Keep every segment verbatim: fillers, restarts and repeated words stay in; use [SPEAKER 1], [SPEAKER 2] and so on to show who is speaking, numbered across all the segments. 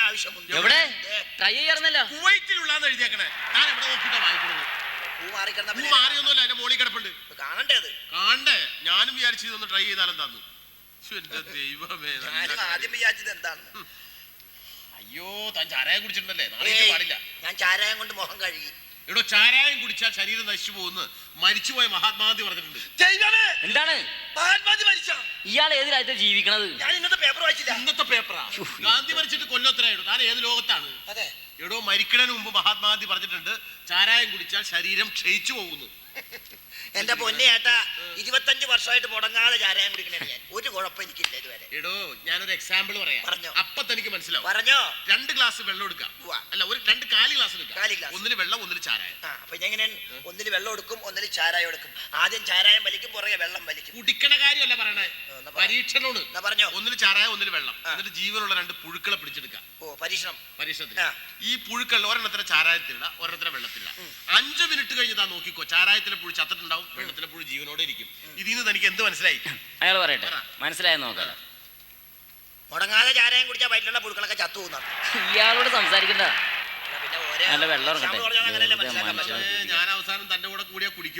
[SPEAKER 1] ആവശ്യമുണ്ട്.
[SPEAKER 2] എവിടെ ട്രൈ ചെയ്യാറുന്നല്ലോ,
[SPEAKER 3] കുവൈറ്റിലുള്ളാന്ന് എഴുതിയേക്കണേ. ഞാൻ എവിടെ നോക്കിട്ടാ വാങ്ങിക്കുന്നത്?
[SPEAKER 1] പൂ മാറിക്കിടന്ന
[SPEAKER 3] പൂ മാറിയൊന്നുമല്ല, എന്റെ മോളിൽ കിടപ്പുണ്ട്.
[SPEAKER 1] കാണണ്ടേ അത്?
[SPEAKER 3] കാണണ്ടേ? ഞാനും വിചാരിച്ചു ഇതൊന്ന് ട്രൈ ചെയ്താലും തന്നു. എന്റെ ദൈവമേ,
[SPEAKER 1] ആദ്യം വിചാരിച്ചത് എന്താണെന്ന്.
[SPEAKER 3] അയ്യോ, താൻ ചാരായം കുടിച്ചിട്ടുണ്ടല്ലേ? നാളെ പാടില്ല.
[SPEAKER 1] ഞാൻ ചാരായം കൊണ്ട് മുഖം കഴുകി.
[SPEAKER 3] എടോ, ചാരായം കുടിച്ചാൽ ശരീരം നശിച്ചു പോകുന്നു മരിച്ചുപോയ മഹാത്മാഗാന്ധി പറഞ്ഞിട്ടുണ്ട്.
[SPEAKER 2] എന്താണ് ഇയാൾ ഏത് രാജ്യത്ത് ജീവിക്കണത്?
[SPEAKER 1] ഞാൻ ഇന്നത്തെ പേപ്പർ വായിച്ചില്ല.
[SPEAKER 3] ഇന്നത്തെ പേപ്പറാ? ഗാന്ധി മരിച്ചിട്ട് കൊല്ലത്തിലായിടോ. താൻ ഏത് ലോകത്താണ്?
[SPEAKER 1] അതെ
[SPEAKER 3] എടോ, മരിക്കണതിന് മുമ്പ് മഹാത്മാഗാന്ധി പറഞ്ഞിട്ടുണ്ട് ചാരായം കുടിച്ചാൽ ശരീരം ക്ഷയിച്ചു പോകുന്നു.
[SPEAKER 1] എന്റെ പൊന്നേട്ടാ, ഇരുപത്തഞ്ച് വർഷമായിട്ട് മുടങ്ങാതെ ചാരായം കുടിക്കണേ ഞാൻ. ഒരു കുഴപ്പം എനിക്കില്ല ഇതുവരെ.
[SPEAKER 3] എടോ, ഞാനൊരു എക്സാമ്പിൾ പറയാം.
[SPEAKER 1] പറഞ്ഞോ.
[SPEAKER 3] അപ്പൊ തനിക്ക് മനസ്സിലാവും.
[SPEAKER 1] പറഞ്ഞോ.
[SPEAKER 3] രണ്ട് ഗ്ലാസ് വെള്ളം എടുക്കാം. അല്ല, ഒരു രണ്ട് കാലി ഗ്ലാസ് എടുക്കാം. ഒന്നിന് വെള്ളം, ഒന്നിന് ചാരായം.
[SPEAKER 1] അപ്പൊ ഞാൻ ഒന്നിന് വെള്ളം എടുക്കും, ഒന്നിന് ചാരായം എടുക്കും. ആദ്യം ചാരായം വലിക്കും, പുറകെ വെള്ളം വലിക്കും.
[SPEAKER 3] കുടിക്കണ കാര്യമല്ല പറയണേ, പരീക്ഷണോട്.
[SPEAKER 1] പറഞ്ഞോ.
[SPEAKER 3] ഒന്നിന് ചാരായം, ഒന്നിന് വെള്ളം. എന്നിട്ട് ജീവനുള്ള രണ്ട് പുഴുക്കളെ പിടിച്ചെടുക്കാം.
[SPEAKER 1] ഓ, പരീക്ഷണം.
[SPEAKER 3] പരീക്ഷണത്തിന് ഈ പുഴുക്കൾ ഒരെണ്ണത്തിന് ചാരായത്തിലിട, ഒരെണ്ണത്തിന് വെള്ളത്തിലിട. അഞ്ചു മിനിറ്റ് കഴിഞ്ഞ് താ നോക്കിക്കോ, ചാരായത്തിലെ പുഴു ചത്തിട്ടുണ്ടാവും, വെള്ളത്തിലെ പുഴു ജീവനോടെ ഇരിക്കും. ഇതിന്ന് തനിക്ക് എന്ത് മനസ്സിലായി?
[SPEAKER 2] അയാൾ പറയട്ടെ, മനസ്സിലായെന്ന് നോക്കാം.
[SPEAKER 1] മുടങ്ങാതെ ചാരായം കുടിച്ചാൽ വയറ്റിലുള്ള പുഴുക്കളൊക്കെ ചത്തു പോകുന്ന.
[SPEAKER 2] ഇയാളോട് സംസാരിക്കണ്ട.
[SPEAKER 1] നല്ല വെള്ളം.
[SPEAKER 3] ഞാൻ അവസാനം തന്റെ കൂടെ കൂടിയാ കുടിക്കും.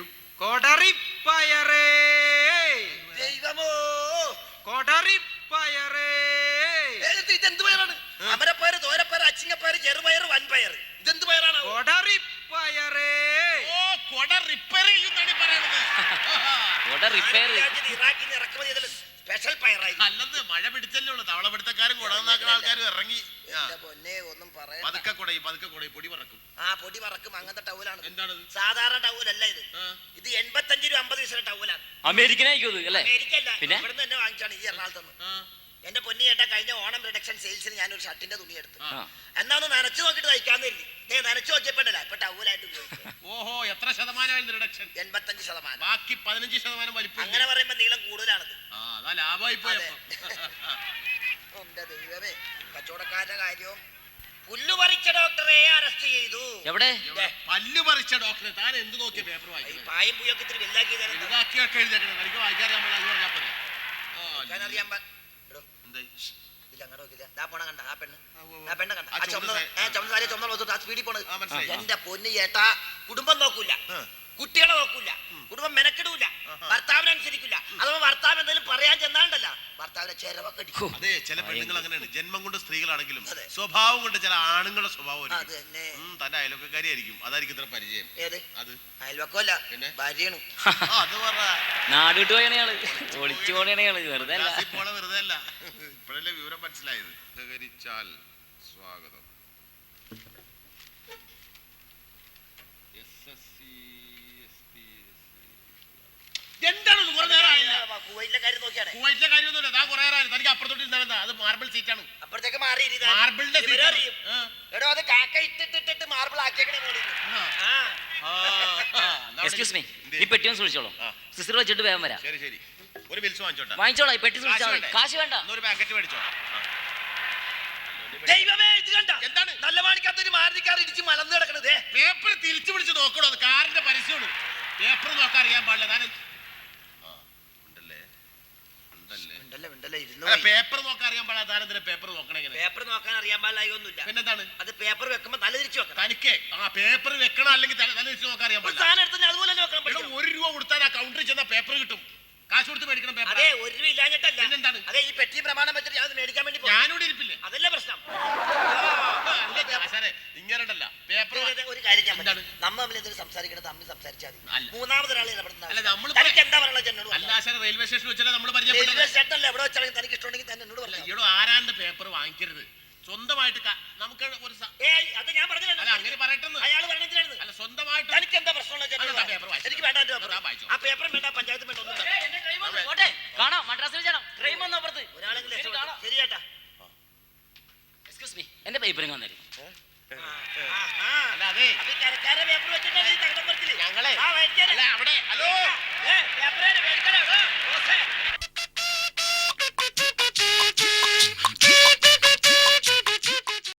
[SPEAKER 1] ദൈവമോ,
[SPEAKER 3] കൊടറിപ്പയറേ.
[SPEAKER 1] ഇതെന്ത് പയറാണ്? അമരപ്പയറ്, തോരപ്പയറ്, അച്ചിങ്ങപ്പയറ്, ചെറുപയറ്, വൻപയറ്. ഇതെന്ത് പയറാണ്?
[SPEAKER 3] കൊടറിപ്പയറേ. ഓ, കൊട റിപ്പയർ ചെയ്യുന്നാണ് പറയണത്.
[SPEAKER 1] ഇറാഖിന്ന് ഇറക്കുമതി ചെയ്തത് സ്പെഷ്യൽ പയറായി.
[SPEAKER 3] അല്ലെന്ന് മഴ പിടിച്ചല്ലേ ഉള്ളു. തവള പിടുത്തക്കാരും കുടന്നാക്കുന്ന ആൾക്കാരും ഇറങ്ങി.
[SPEAKER 1] പൊന്നെ, ഒന്നും പറയാം.
[SPEAKER 3] പതുക്കെ കുടയും, പതുക്കെ കുടയും, പൊടി പറക്കും.
[SPEAKER 1] ആ, പൊടി പറക്കും. അങ്ങനത്തെ ടൗലാണ്.
[SPEAKER 3] എന്താണ്?
[SPEAKER 1] സാധാരണ ടൗലല്ല ഇത്. ഇത് എൺപത്തഞ്ച് രൂപ അമ്പത് പൈസ ടൗലാണ്.
[SPEAKER 2] അമേരിക്കനായിരിക്കും അല്ലേ?
[SPEAKER 1] അമേരിക്കല്ല, ഇവിടുന്ന് തന്നെ വാങ്ങിച്ചാണ് ഈ എറണാകുളത്ത്. എന്റെ പൊന്നി ചേട്ടാ, കഴിഞ്ഞ ഓണം റിഡക്ഷൻ സെയിൽസിന് ഞാനൊരു ഷർട്ടിന്റെ തുണി എടുത്തു. എന്നാ ഒന്ന് നനച്ചു നോക്കിട്ട് തയ്ക്കാന്ന് കരുതി. നനച്ചു നോക്കിയപ്പോഴല്ല ഇപ്പൊ ടൗലായിട്ട് ഉപയോഗിക്കും.
[SPEAKER 3] ഓഹോ, എത്ര ശതമാനമായിരുന്നു റിഡക്ഷൻ?
[SPEAKER 1] എൺപത്തഞ്ച് ശതമാനം.
[SPEAKER 3] ബാക്കി പതിനഞ്ച് ശതമാനം വലിപ്പം.
[SPEAKER 1] അങ്ങനെ പറയുമ്പോ നീളം കൂടുതലാണത്.
[SPEAKER 3] ലാഭമായി പോയ.
[SPEAKER 1] എന്റെ ദൈവമേ, കച്ചവടക്കാരുടെ കാര്യവും. പുല്ലു പറിച്ച ഡോക്ടറെ അറസ്റ്റ് ചെയ്തു.
[SPEAKER 2] എവിടെ?
[SPEAKER 3] പല്ലു പറിച്ച ഡോക്ടറെ. താൻ എന്ത് നോക്കിയ പേപ്പർ വായിക്കും?
[SPEAKER 1] പായും പുയൊക്കെ ഇത്തിരി വലുതാക്കി
[SPEAKER 3] വലുതാക്കിയൊക്കെ എഴുതിയേക്കണം. എനിക്ക് വായിക്കാറിയാൻ പറഞ്ഞാൽ പോലെ.
[SPEAKER 1] അറിയാൻ എന്റെ പൊന്നു ചേട്ടാ, കുടുംബം നോക്കൂല, കുട്ടികളെ നോക്കൂല, കുടുംബം മെനക്കെടൂല, ഭർത്താവിനനുസരിക്കില്ല. അഥവാ ഭർത്താവ് എന്തെങ്കിലും പറയാൻ ചെന്നാണ്ടല്ല, ഭർത്താവിനെ ചെലവൊക്കെ അടിക്കും.
[SPEAKER 3] അതെ, ചില പെണ്ണുങ്ങൾ അങ്ങനെയാണ്. ജന്മം കൊണ്ട് സ്ത്രീകളാണെങ്കിലും സ്വഭാവം കൊണ്ട് ചില ആണുങ്ങളുടെ സ്വഭാവം തന്റെ അയൽവക്കാരിയായിരിക്കും. അതായിരിക്കും ഇത്ര പരിചയം.
[SPEAKER 1] ഏത് അത്? അയൽവക്കമല്ല, ഭാര്യയാണ്.
[SPEAKER 3] അത് പറ.
[SPEAKER 2] നാട് വിട്ടു പോയണയാള്, ഒളിച്ചു പോണയാള്. വെറുതെ
[SPEAKER 3] പോണ വെറുതെ അല്ല. ഇപ്പോഴല്ലേ വിവരം മനസ്സിലായത്. സഹകരിച്ചാൽ സ്വാഗതം. എന്താണ്
[SPEAKER 1] കുവൈറ്റിലെ കാര്യം നോക്കിയാണ്.
[SPEAKER 3] കുവൈറ്റിലെ കാര്യമൊന്നുമില്ല. താൻ കുറെ തനിക്ക് അപ്പുറത്തോട്ട് അത് മാർബിൾ സീറ്റാണ്.
[SPEAKER 1] അപ്പുറത്തേക്ക് മാറി
[SPEAKER 3] മാർബിളിന്റെ
[SPEAKER 1] എടോ, അത് കാക്ക ഇട്ടിട്ടിട്ട് മാർബിൾ ആക്കിയേക്കണേ.
[SPEAKER 2] എക്സ്ക്യൂസ് മീ, ഈ പെട്ടി ഒന്ന് സൂക്ഷിച്ചോളൂ. സിസ്റ്റർ വെച്ചിട്ട് വേഗം വരാം.
[SPEAKER 3] ശരി ശരി. ഒരു ബിൽസ് വാങ്ങിച്ചോട്ടെ.
[SPEAKER 2] വാങ്ങിച്ചോളാം, ഈ പെട്ടി സൂക്ഷിച്ചാൽ മതി. കാശ് വേണ്ട.
[SPEAKER 3] ഒരു പാക്കറ്റ് മേടിച്ചോ.
[SPEAKER 1] ദൈവമേ, ഇത് കണ്ട എന്താണ്? നല്ല മാണിക്കാത്തൊരു മാരുതിക്കാർ ഇടിച്ച് മലന്ന് കിടക്കണത്.
[SPEAKER 3] പേപ്പർ തിരിച്ചു പിടിച്ച് നോക്കണോ? അത് കാറിന്റെ പരസ്യമാണ്. പേപ്പർ നോക്കാൻ അറിയാൻ പാടില്ല. താൻ പേപ്പർ നോക്കാൻ അറിയാൻ പാടില്ല. താനെന്തിനാ പേപ്പർ നോക്കണേ?
[SPEAKER 1] പേപ്പർ നോക്കാൻ അറിയാൻ പാടില്ല.
[SPEAKER 3] പിന്നെന്താണ്?
[SPEAKER 1] അത് പേപ്പർ വെക്കുമ്പോ തല തിരിച്ചു വെക്കണം.
[SPEAKER 3] തനിക്ക് ആ പേപ്പർ വെക്കണം, അല്ലെങ്കിൽ തല തിരിച്ചു നോക്കാൻ അറിയാൻ പാടില്ല.
[SPEAKER 1] അതുപോലെ
[SPEAKER 3] ഒരു രൂപ കൊടുത്താൽ ആ കൗണ്ടറിൽ ചെന്നാൽ പേപ്പർ കിട്ടും. കാശ് കൊടുത്ത് മേടിക്കണം പേപ്പർ.
[SPEAKER 1] അതെ, ഒരു രൂപ ഇല്ലാഞ്ഞിട്ടല്ല.
[SPEAKER 3] എന്താണ്?
[SPEAKER 1] അതെ, ഈ പെട്ടി പ്രമാണം വെച്ചിട്ട് ഞാൻ മേടിക്കാൻ വേണ്ടി
[SPEAKER 3] ഞാനോട് ഇരിപ്പില്ലേ?
[SPEAKER 1] അതല്ലേ പ്രശ്നം.
[SPEAKER 3] ഇങ്ങനല്ല പേപ്പർ.
[SPEAKER 1] ഒരു കാര്യം ഞാൻ നമ്മൾ തമ്മിൽ എന്തെങ്കിലും സംസാരിക്കണം, തമ്മിൽ സംസാരിച്ചാൽ മതി. മൂന്നാമതൊരാൾ എന്താ പറയുള്ളത് എന്നോട്?
[SPEAKER 3] റെയിൽവേ സ്റ്റേഷനിൽ വെച്ചാൽ നമ്മൾ
[SPEAKER 1] റെയിൽവേ സ്റ്റേഷൻ അല്ല, എവിടെ വെച്ചാലും തനിക്ക് ഇഷ്ടമുണ്ടെങ്കിൽ തന്നെ എന്നോട് പറഞ്ഞു.
[SPEAKER 3] ഇവിടെ ആരാന്റെ പേപ്പർ വാങ്ങിക്കരുത്. സ്വന്തമായിട്ട് നമുക്ക് ഒരു
[SPEAKER 1] അത് ഞാൻ പറഞ്ഞില്ല.
[SPEAKER 3] അങ്ങനെ പറയട്ടെ.
[SPEAKER 1] അയാൾ പറഞ്ഞിട്ടാണ്.
[SPEAKER 3] അല്ല, സ്വന്തമായിട്ട്
[SPEAKER 1] എനിക്ക് എന്താ പ്രശ്നമുള്ള എനിക്ക് വേണ്ട. ആ പേപ്പറും വേണ്ട, പഞ്ചായത്തും വേണ്ട, ഒന്നും
[SPEAKER 2] കാണാം. മദ്രാസിൽ ചേട്ടാ ട്രെയിൻ വന്നു അപ്പുറത്ത്.
[SPEAKER 1] ഒരാളെങ്കിലും ശരിയേട്ടാ.
[SPEAKER 2] എക്സ്ക്യൂസ് മീ, എന്റെ പേപ്പറിങ് വന്നേരും.
[SPEAKER 1] പേപ്പർ വെച്ചിട്ടാണ്
[SPEAKER 3] ഞങ്ങളെ അവിടെ. Hello,
[SPEAKER 1] paper